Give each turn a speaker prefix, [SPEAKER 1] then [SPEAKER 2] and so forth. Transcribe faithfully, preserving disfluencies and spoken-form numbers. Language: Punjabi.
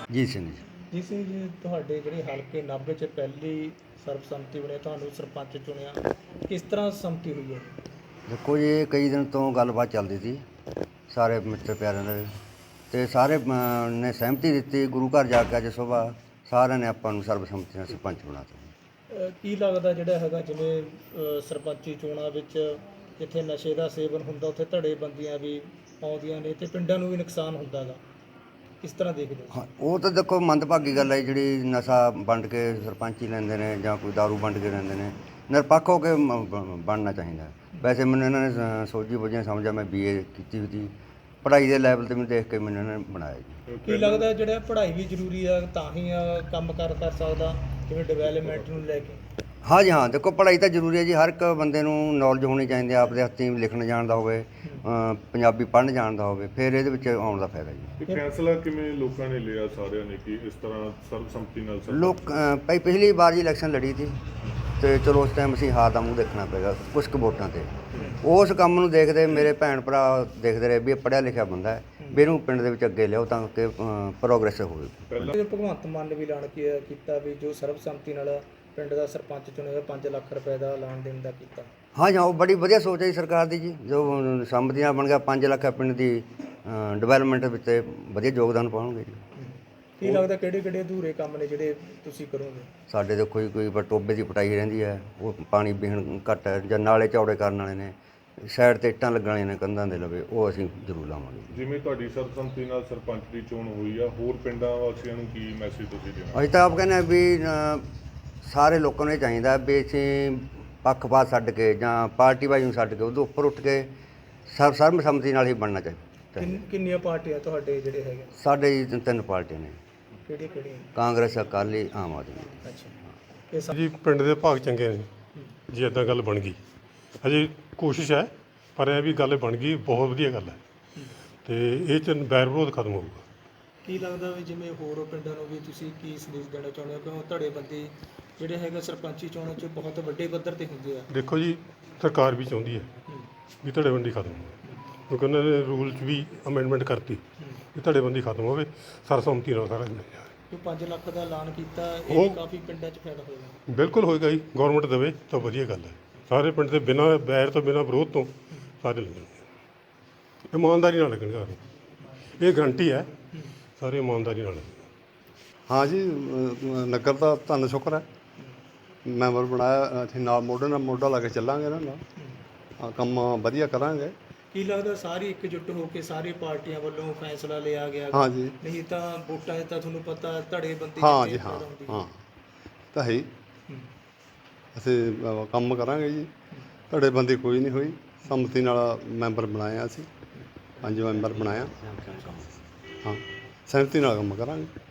[SPEAKER 1] ਜੀਤ ਸਿੰਘ ਜੀ।
[SPEAKER 2] ਜੀ ਸਿੰਘ ਜੀ, ਤੁਹਾਡੇ ਜਿਹੜੇ ਹਲਕੇ ਨਾਭੇ 'ਚ ਪਹਿਲੀ ਸਰਬਸੰਮਤੀ ਬਣੇ, ਤੁਹਾਨੂੰ ਸਰਪੰਚ ਚੁਣਿਆ, ਕਿਸ ਤਰ੍ਹਾਂ ਸੰਮਤੀ ਹੋਈ ਹੈ?
[SPEAKER 1] ਦੇਖੋ ਜੀ, ਇਹ ਕਈ ਦਿਨ ਤੋਂ ਗੱਲਬਾਤ ਚੱਲਦੀ ਸੀ ਸਾਰੇ ਮਿੱਤਰ ਪਿਆਰਿਆਂ ਦੇ, ਅਤੇ ਸਾਰੇ ਅਮ, ਨੇ ਸਹਿਮਤੀ ਦਿੱਤੀ। ਗੁਰੂ ਘਰ ਜਾ ਕੇ ਅੱਜ ਸੁਬਾਹ ਸਾਰਿਆਂ ਨੇ ਆਪਾਂ ਨੂੰ ਸਰਬਸੰਮਤੀ ਨਾਲ ਸਰਪੰਚ ਬਣਾ ਦਿੱਤਾ।
[SPEAKER 2] ਅਹ ਕੀ ਲੱਗਦਾ ਜਿਹੜਾ ਹੈਗਾ, ਜਿਵੇਂ ਅਹ ਸਰਪੰਚੀ ਚੋਣਾਂ ਵਿੱਚ ਜਿੱਥੇ ਨਸ਼ੇ ਦਾ ਸੇਵਨ ਹੁੰਦਾ, ਉੱਥੇ ਧੜੇਬੰਦੀਆਂ ਵੀ ਆਉਂਦੀਆਂ ਨੇ ਅਤੇ ਪਿੰਡਾਂ ਨੂੰ ਵੀ ਨੁਕਸਾਨ ਹੁੰਦਾ ਗਾ, ਕਿਸ ਤਰ੍ਹਾਂ ਦੇਖਦੇ ਹੋ?
[SPEAKER 1] ਹਾਂ, ਉਹ ਤਾਂ ਦੇਖੋ ਮੰਦਭਾਗੀ ਗੱਲ ਹੈ ਜਿਹੜੀ ਨਸ਼ਾ ਵੰਡ ਕੇ ਸਰਪੰਚੀ ਲੈਂਦੇ ਨੇ ਜਾਂ ਕੋਈ ਦਾਰੂ ਵੰਡ ਕੇ ਲੈਂਦੇ ਨੇ। ਨਿਰਪੱਖ ਹੋ ਕੇ ਮ- ਬ- ਬਣਨਾ ਚਾਹੀਦਾ। ਵੈਸੇ ਮੈਨੂੰ ਇਹਨਾਂ ਨੇ ਸ- ਸੋਝੀ ਬੁੱਝੀ ਸਮਝਿਆ, ਮੈਂ ਬੀ ਏ ਕੀਤੀ ਹੋਈ ਸੀ, ਪੜ੍ਹਾਈ ਦੇ ਲੈਵਲ 'ਤੇ ਮੈਨੂੰ ਦੇਖ ਕੇ ਮੈਨੂੰ ਇਹਨਾਂ ਨੇ ਬਣਾਇਆ ਜੀ।
[SPEAKER 2] ਕੀ ਲੱਗਦਾ ਜਿਹੜਾ ਪੜ੍ਹਾਈ ਵੀ ਜ਼ਰੂਰੀ ਆ, ਤਾਂ ਹੀ ਆ ਕੰਮ ਕਰ ਕਰ ਸਕਦਾ, ਜਿਵੇਂ ਡਿਵੈਲਪਮੈਂਟ ਨੂੰ ਲੈ ਕੇ?
[SPEAKER 1] ਹਾਂ ਜੀ ਹਾਂ, ਦੇਖੋ ਪੜ੍ਹਾਈ ਤਾਂ ਜ਼ਰੂਰੀ ਹੈ ਜੀ। ਹਰ ਇੱਕ ਬੰਦੇ ਨੂੰ ਨੌਲੇਜ ਹੋਣੀ ਚਾਹੀਦੀ ਹੈ, ਆਪਦੇ ਹੱਥੀਂ ਲਿਖਣ ਜਾਣਦਾ ਹੋਵੇ, ਅ, ਪੰਜਾਬੀ ਪੜ੍ਹਨ ਜਾਣਦਾ ਹੋਵੇ, ਫਿਰ ਇਹਦੇ ਵਿੱਚ ਆਉਣ ਦਾ ਫਾਇਦਾ ਜੀ।
[SPEAKER 3] ਇਹ ਫੈਸਲਾ ਕਿਵੇਂ ਲੋਕਾਂ ਨੇ ਲਿਆ ਸਾਰਿਆਂ ਨੇ ਕਿ ਇਸ ਤਰ੍ਹਾਂ ਸਰਬਸੰਮਤੀ ਨਾਲ ਸਰਪੰਚ?
[SPEAKER 1] ਲੋਕ ਅ, ਭਾਈ ਪਿਛਲੀ ਵਾਰ ਜੀ ਇਲੈਕਸ਼ਨ ਲੜੀ ਸੀ, ਅਤੇ ਚਲੋ ਉਸ ਟਾਈਮ ਅਸੀਂ ਹਾਰ ਦਾ ਮੂੰਹ ਦੇਖਣਾ ਪਏਗਾ ਕੁਛ ਕੁ ਵੋਟਾਂ 'ਤੇ। ਉਸ ਕੰਮ ਨੂੰ ਦੇਖਦੇ ਮੇਰੇ ਭੈਣ ਭਰਾ ਦੇਖਦੇ ਰਹੇ ਵੀ ਇਹ ਪੜ੍ਹਿਆ ਲਿਖਿਆ ਬੰਦਾ ਹੈ, ਵੀ ਇਹਨੂੰ ਪਿੰਡ ਦੇ ਵਿੱਚ ਅੱਗੇ ਲਿਆਓ ਤਾਂ ਕਿ ਪ੍ਰੋਗਰੈਸ ਹੋਵੇ।
[SPEAKER 2] ਪਹਿਲਾਂ ਭਗਵੰਤ ਮਾਨ ਨੇ ਵੀ ਐਲਾਨ ਕੀ- ਕੀਤਾ ਵੀ ਜੋ ਸਰਬਸੰਮਤੀ ਨਾਲ ਪਿੰਡ ਦਾ ਸਰਪੰਚ ਚੁਣੇਗਾ ਪੰਜ ਲੱਖ ਰੁਪਏ ਦਾ ਐਲਾਨ ਦੇਣ ਦਾ ਕੀਤਾ।
[SPEAKER 1] ਹਾਂ ਜੀ ਹਾਂ, ਉਹ ਬੜੀ ਵਧੀਆ ਸੋਚ ਹੈ ਜੀ ਸਰਕਾਰ ਦੀ ਜੀ। ਜੋ ਸੰਮਤੀ ਨਾਲ ਬਣ ਗਿਆ ਪੰਜ ਲੱਖ ਪਿੰਡ ਦੀ ਡਿਵੈਲਪਮੈਂਟ ਵਿੱਚ ਵਧੀਆ ਯੋਗਦਾਨ ਪਾਉਣਗੇ ਜੀ।
[SPEAKER 2] ਕੀ ਲੱਗਦਾ ਕਿਹੜੇ ਕਿਹੜੇ ਅਧੂਰੇ ਕੰਮ ਨੇ ਜਿਹੜੇ ਤੁਸੀਂ ਕਰੋਗੇ?
[SPEAKER 1] ਸਾਡੇ ਦੇਖੋ ਜੀ, ਕੋਈ ਟੋਬੇ ਦੀ ਪਟਾਈ ਰਹਿੰਦੀ ਹੈ, ਉਹ ਪਾਣੀ ਪੀਣ ਘੱਟ ਹੈ, ਜਾਂ ਨਾਲੇ ਚੌੜੇ ਕਰਨ ਵਾਲੇ ਨੇ, ਸਾਈਡ 'ਤੇ ਇੱਟਾਂ ਲੱਗਣ ਵਾਲੀਆਂ ਨੇ ਕੰਧਾਂ ਦੇ ਲਵੇ, ਉਹ ਅਸੀਂ ਜ਼ਰੂਰ ਲਾਵਾਂਗੇ।
[SPEAKER 3] ਜਿਵੇਂ ਤੁਹਾਡੀ ਸਰਬਸੰਮਤੀ ਨਾਲ ਸਰਪੰਚ ਦੀ ਚੋਣ ਹੋਈ ਆ, ਹੋਰ ਪਿੰਡਾਂ ਵਾਸੀਆਂ ਨੂੰ ਕੀ ਮੈਸੇਜ ਤੁਸੀਂ ਦੇਣਾ?
[SPEAKER 1] ਅਸੀਂ ਤਾਂ ਆਪ ਕਹਿੰਦੇ ਹਾਂ ਵੀ ਅ, ਸਾਰੇ ਲੋਕਾਂ ਨੂੰ ਇਹ ਚਾਹੀਦਾ ਵੀ ਅਸੀਂ ਪੱਖਪਾਤ ਛੱਡ ਕੇ ਜਾਂ ਪਾਰਟੀਬਾਜ਼ੀ ਨੂੰ ਛੱਡ ਕੇ ਉਹਦੇ ਉੱਪਰ ਉੱਠ ਕੇ ਸਰਬ ਸਰਬਸੰਮਤੀ ਨਾਲ ਹੀ ਬਣਨਾ ਚਾਹੀਦਾ।
[SPEAKER 2] ਕਿੰਨ- ਕਿੰਨੀਆਂ ਪਾਰਟੀਆਂ ਤੁਹਾਡੇ ਜਿਹੜੇ ਹੈਗੇ?
[SPEAKER 1] ਸਾਡੇ ਜੀ ਤਿੰਨ- ਤਿੰਨ ਪਾਰਟੀਆਂ ਨੇ,
[SPEAKER 2] ਕਿਹੜੀਆਂ ਕਿਹੜੀਆਂ?
[SPEAKER 1] ਕਾਂਗਰਸ, ਅਕਾਲੀ, ਆਮ ਆਦਮੀ।
[SPEAKER 2] ਅੱਛਾ, ਇਹ ਸਭ
[SPEAKER 4] ਜੀ ਪਿੰਡ ਦੇ ਭਾਗ ਚੰਗੇ ਨੇ ਜੇ ਇੱਦਾਂ ਗੱਲ ਬਣ ਗਈ। ਹਜੇ ਕੋਸ਼ਿਸ਼ ਹੈ, ਪਰ ਇਹ ਵੀ ਗੱਲ ਬਣ ਗਈ, ਬਹੁਤ ਵਧੀਆ ਗੱਲ ਹੈ, ਅਤੇ ਇਹ 'ਚ ਬੈਰ ਵਿਰੋਧ ਖਤਮ ਹੋਊਗਾ।
[SPEAKER 2] ਕੀ ਲੱਗਦਾ ਵੀ ਜਿਵੇਂ ਹੋਰ ਪਿੰਡਾਂ ਨੂੰ ਵੀ ਤੁਸੀਂ ਕੀ ਸੰਦੇਸ਼ ਦੇਣਾ ਚਾਹੁੰਦੇ ਹੋ? ਕਿਉਂ ਧੜੇਬੰਦੀ ਜਿਹੜੇ ਹੈਗੇ ਸਰਪੰਚੀ ਚੋਣਾਂ 'ਚ ਬਹੁਤ ਵੱਡੇ ਪੱਧਰ 'ਤੇ ਹੁੰਦੇ ਆ।
[SPEAKER 4] ਦੇਖੋ ਜੀ, ਸਰਕਾਰ ਵੀ ਚਾਹੁੰਦੀ ਹੈ ਵੀ ਧੜੇਬੰਦੀ ਖਤਮ ਹੋਵੇ, ਕਿਉਂਕਿ ਉਹਨਾਂ ਨੇ ਰੂਲ 'ਚ ਵੀ ਅਮੈਂਡਮੈਂਟ ਕਰਤੀ ਵੀ ਧੜੇਬੰਦੀ ਖਤਮ ਹੋਵੇ, ਸਰਬਸੰਮਤੀ ਨਾਲ ਸਾਰਾ ਮਿਲ ਜਾਵੇ।
[SPEAKER 2] ਜੋ ਪੰਜ ਲੱਖ ਦਾ ਐਲਾਨ ਕੀਤਾ, ਇਹ
[SPEAKER 4] ਉਹ-
[SPEAKER 2] ਵੀ ਕਾਫੀ ਪਿੰਡਾਂ 'ਚ ਫਾਇਦਾ ਹੋਏਗਾ।
[SPEAKER 4] ਬਿਲਕੁਲ ਹੋਏਗਾ ਜੀ, ਗੌਰਮੈਂਟ ਦੇਵੇ ਤਾਂ ਵਧੀਆ ਗੱਲ ਹੈ। ਸਾਰੇ ਪਿੰਡ ਦੇ ਬਿਨਾਂ ਬੈਰ ਤੋਂ ਬਿਨਾਂ ਵਿਰੋਧ ਤੋਂ ਸਾਰੇ ਲੱਗਣਗੇ, ਇਮਾਨਦਾਰੀ ਨਾਲ ਲੱਗਣਗੇ ਸਾਰੇ, ਇਹ ਗਰੰਟੀ ਹੈ, ਸਾਰੇ ਇਮਾਨਦਾਰੀ ਨਾਲ ਲੱਗਣਗੇ।
[SPEAKER 5] ਹਾਂ ਜੀ, ਅ, ਨਗਰ ਦਾ ਧੰਨ ਸ਼ੁਕਰ ਹੈ, ਮੈਂਬਰ ਬਣਾਇਆ, ਅਸੀਂ ਨਾਲ ਮੋਢੇ ਨਾਲ ਮੋਢਾ ਲਾ ਕੇ ਚੱਲਾਂਗੇ ਇਹਨਾਂ ਨਾਲ, ਹਾਂ, ਕੰਮ ਵਧੀਆ ਕਰਾਂਗੇ।
[SPEAKER 2] ਕੀ ਲੱਗਦਾ ਸਾਰੀ ਇਕਜੁੱਟ ਹੋ ਕੇ ਸਾਰੀ ਪਾਰਟੀਆਂ ਵੱਲੋਂ ਫੈਸਲਾ ਲਿਆ ਗਿਆ?
[SPEAKER 5] ਹਾਂ ਜੀ,
[SPEAKER 2] ਨਹੀਂ ਤਾਂ ਵੋਟਾਂ 'ਚ ਤਾਂ ਤੁਹਾਨੂੰ ਪਤਾ ਧੜੇਬੰਦੀ
[SPEAKER 5] ਹਾਂ
[SPEAKER 2] ਕਿੰਨੀ
[SPEAKER 5] ਜੀ, ਹਾਂ
[SPEAKER 2] ਜ਼ਿਆਦਾ ਹੁੰਦੀ ਹੈ।
[SPEAKER 5] ਹਾਂ ਤਾਂ ਹੈ ਹੀ।
[SPEAKER 2] ਹੂੰ।
[SPEAKER 5] ਅਸੀਂ ਅ, ਕੰਮ ਕਰਾਂਗੇ ਜੀ, ਧੜੇਬੰਦੀ ਕੋਈ ਨਹੀਂ ਹੋਈ, ਸੰਮਤੀ ਨਾਲ ਮੈਂਬਰ ਬਣਾਇਆ ਅਸੀਂ, ਪੰਜ ਮੈਂਬਰ ਬਣਾਇਆ, ਹਾਂ, ਸਹਿਮਤੀ ਨਾਲ ਕੰਮ ਕਰਾਂਗੇ।